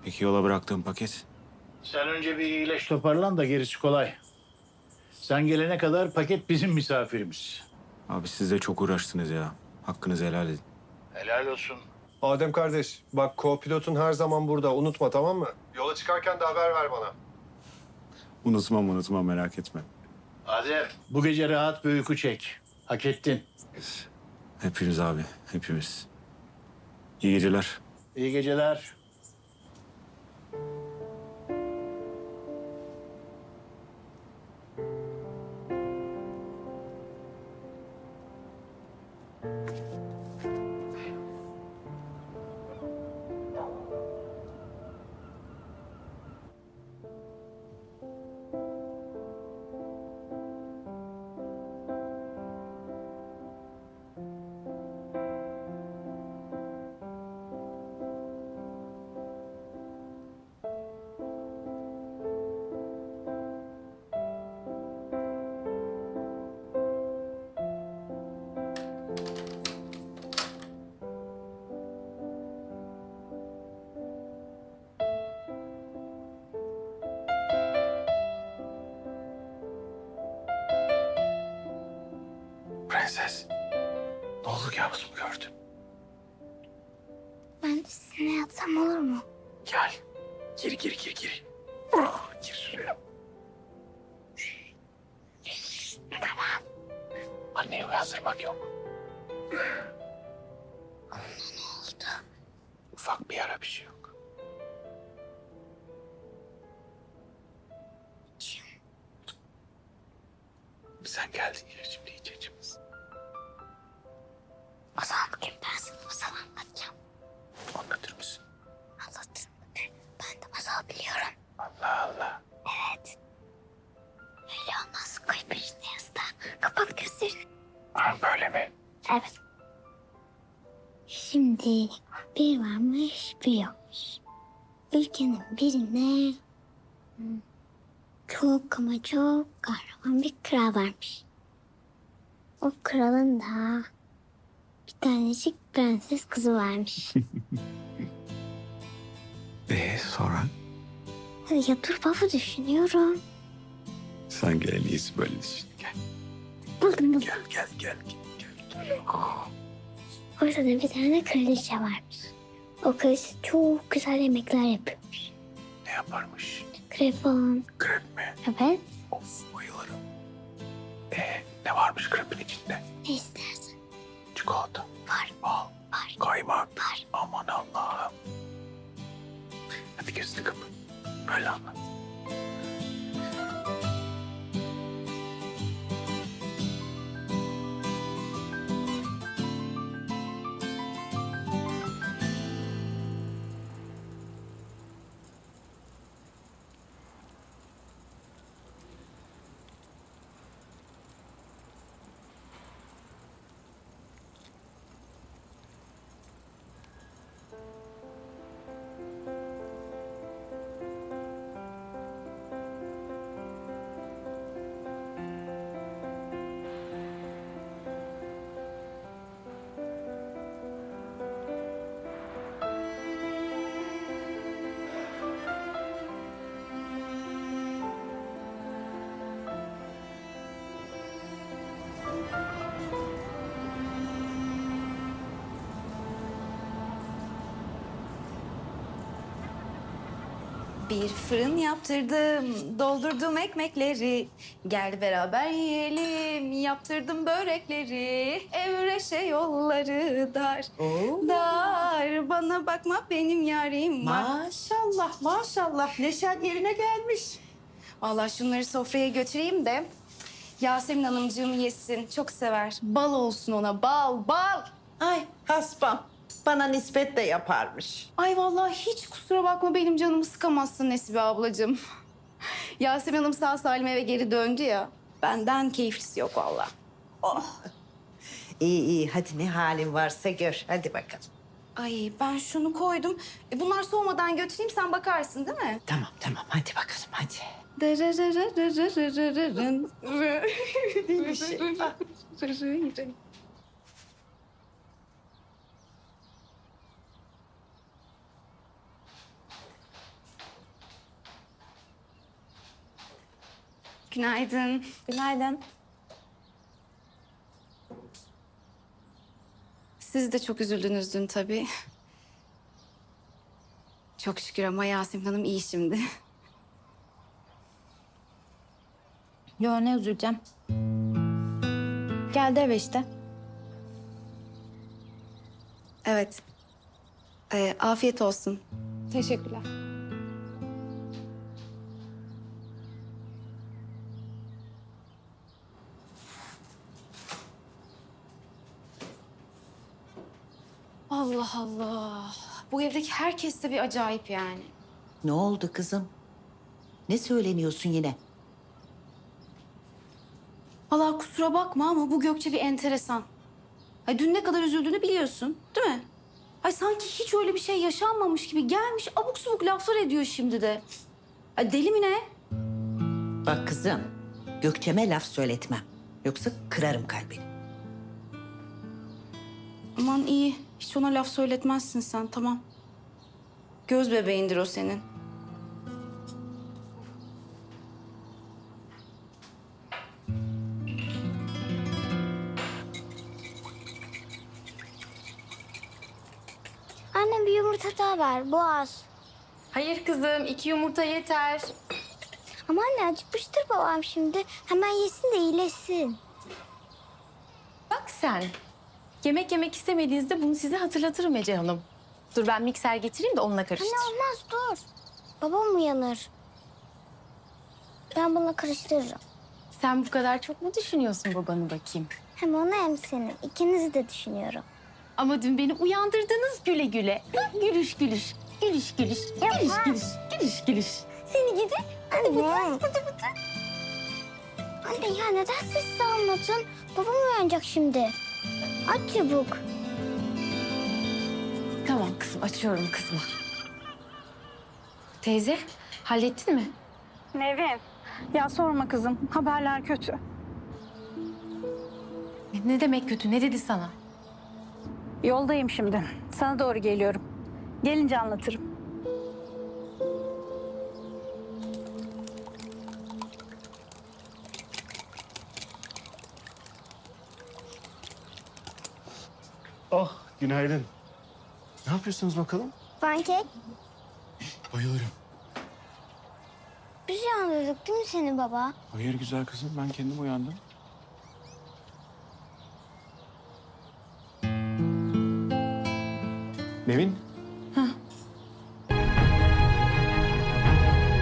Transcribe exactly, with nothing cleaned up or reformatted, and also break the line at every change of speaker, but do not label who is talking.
Peki yola bıraktığım paket?
Sen önce bir iyileş toparlan da gerisi kolay. Sen gelene kadar paket bizim misafirimiz.
Abi siz de çok uğraştınız ya. Hakkınızı helal edin.
Helal olsun.
Adem kardeş, bak co-pilotun her zaman burada. Unutma, tamam mı? Yola çıkarken de haber ver bana.
Unutmam unutmam, merak etme.
Adem, bu gece rahat bir uyku çek. Hak ettin.
Hepimiz abi, hepimiz. İyi geceler.
İyi geceler.
Prenses. Ne oldu, kabus mu gördün?
Ben de sizinle yatsam olur mu?
Gel. Gir gir gir gir. Oh, gir şuraya.
Tamam.
Anneyi uyandırmak yok.
Ne oldu?
Ufak bir yara, bir şey yok.
Kim?
Sen geldin ya, şimdi hiç acımız.
O zaman bugün ben sana masal anlatacağım.
Anlatır mısın?
Anlatırım. Ben de masal biliyorum.
Allah Allah.
Evet. Öyle olmaz. Koy peşine yastığa. Kapat gözlerini.
Ha, böyle mi?
Evet. Şimdi bir varmış bir yokmuş. Ülkenin birine hmm, çok ama çok kahraman bir kral varmış. O kralın da bir tanecik prenses kızı varmış.
Ee sonra?
Ya dur baba düşünüyorum.
Sen gel, en iyisi böyle düşün. Gel.
Buldum buldum.
Gel gel gel. gel, gel.
Ortada bir tane kraliçe varmış. O kraliçe çok güzel yemekler yapıyormuş.
Ne yaparmış?
Krepon.
Krep mi?
Evet.
Of, bayılırım. Ee, ne varmış krepin içinde?
Ne istersen.
Çikolata,
Var.
bal,
Var.
kaymak.
Var.
Aman Allah'ım. Hadi gözünü kapat. Böyle anlat.
Bir fırın yaptırdım, doldurdum ekmekleri. Gel beraber yiyelim, yaptırdım börekleri. Evreşe yolları dar, dar. Bana bakma benim yarim var.
Maşallah, maşallah. Neşen yerine gelmiş.
Vallahi şunları sofraya götüreyim de Yasemin Hanımcığım yesin. Çok sever. Bal olsun ona, bal, bal.
Ay haspam, bana nispet de yaparmış.
Ay vallahi hiç kusura bakma, benim canımı sıkamazsın Nesibe ablacığım. Yasemin Hanım sağ salim eve geri döndü ya. Benden keyiflisi yok vallahi.
Oh. İyi iyi, hadi ne halin varsa gör. Hadi bakalım.
Ay ben şunu koydum. E, bunlar soğumadan götüreyim, sen bakarsın değil mi?
Tamam tamam, hadi bakalım hadi.
Günaydın.
Günaydın.
Siz de çok üzüldünüz dün tabii. Çok şükür ama Yasemin Hanım iyi şimdi.
Yo, ne üzüleceğim. Geldi eve işte.
Evet. Ee, afiyet olsun.
Teşekkürler.
Allah Allah. Bu evdeki herkes de bir acayip yani.
Ne oldu kızım? Ne söyleniyorsun yine?
Allah kusura bakma ama bu Gökçe bir enteresan. Ay dün ne kadar üzüldüğünü biliyorsun, değil mi? Ay sanki hiç öyle bir şey yaşanmamış gibi gelmiş abuk subuk laflar ediyor şimdi de. Ay deli mi ne?
Bak kızım, Gökçe'me laf söyletmem. Yoksa kırarım kalbini.
Aman iyi. Hiç ona laf söyletmezsin sen, tamam. Göz bebeğindir o senin.
Anne bir yumurta daha ver, boğaz.
Hayır kızım, iki yumurta yeter.
Ama anne acıkmıştır babam şimdi. Hemen yesin de iyileşsin.
Bak sen. Yemek yemek istemediğinizde bunu size hatırlatırım Ece Hanım. Dur ben mikser getireyim de onunla karıştır.
Anne olmaz dur. Babam uyanır. Ben bunu karıştırırım.
Sen bu kadar çok mu düşünüyorsun babanı bakayım?
Hem onu hem seni. İkinizi de düşünüyorum.
Ama dün beni uyandırdınız güle güle. Ha, gülüş gülüş. Gülüş gülüş. Gülüş gülüş. Gülüş gülüş.
Seni gidi. Anne. Bıdı bıdı. Anne ya neden sessiz almadın? Babam uyanacak şimdi. Aç çabuk.
Tamam kızım, açıyorum kızıma. Teyze, hallettin mi?
Nevin, ya sorma kızım. Haberler kötü.
Ne, ne demek kötü? Ne dedi sana?
Yoldayım şimdi. Sana doğru geliyorum. Gelince anlatırım.
Oh, günaydın. Ne yapıyorsunuz bakalım?
Pankek.
Bayılırım.
Biz uyandırdık değil mi seni baba?
Hayır güzel kızım, ben kendim uyandım.
Nevin,